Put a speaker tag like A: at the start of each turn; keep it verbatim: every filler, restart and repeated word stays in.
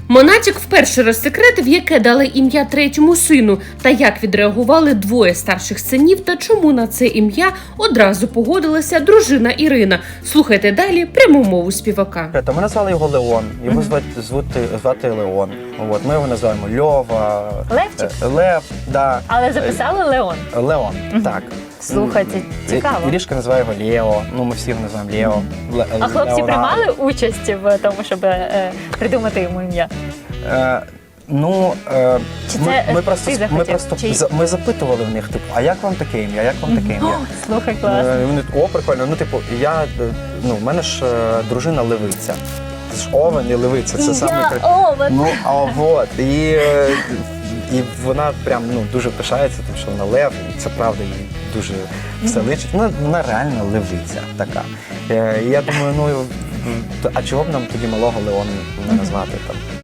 A: Монатік вперше розсекретив, яке дали ім'я третьому сину, та як відреагували двоє старших синів, та чому на це ім'я одразу погодилася дружина Ірина. Слухайте далі пряму мову співака.
B: Ми назвали його Леон, його звати, звати, звати Леон. От, ми його називаємо Льова,
C: Левчик?
B: е, Лев, да.
C: Але записали Леон.
B: Леон, так.
C: Слухайте, цікаво.
B: Ірішка називає його Лео, ну ми всі його називаємо Лео. Ле-
C: А хлопці
B: Леонардо.
C: приймали участь в тому, щоб е, придумати йому ім'я?
B: Е, ну, е,
C: Чи
B: ми,
C: це
B: ми
C: ти
B: просто,
C: захотів?
B: ми просто
C: Чи-
B: за- ми запитували в них, типу, а як вам таке ім'я, як вам таке ім'я?
C: Слухай, класно.
B: Е, Вони, о, прикольно, ну, типу, я, е, ну, в мене ж е, дружина левиця. Це ж овен і левиця, це саме...
C: Я
B: кра-
C: овен.
B: Ну, а от, і, е, і вона прям, ну, дуже пишається, тому що вона лев, і це правда, їй дуже все личить. Вона, вона реально левиця така. Е, І я думаю, ну, а чого б нам тоді малого Леона не назвати там?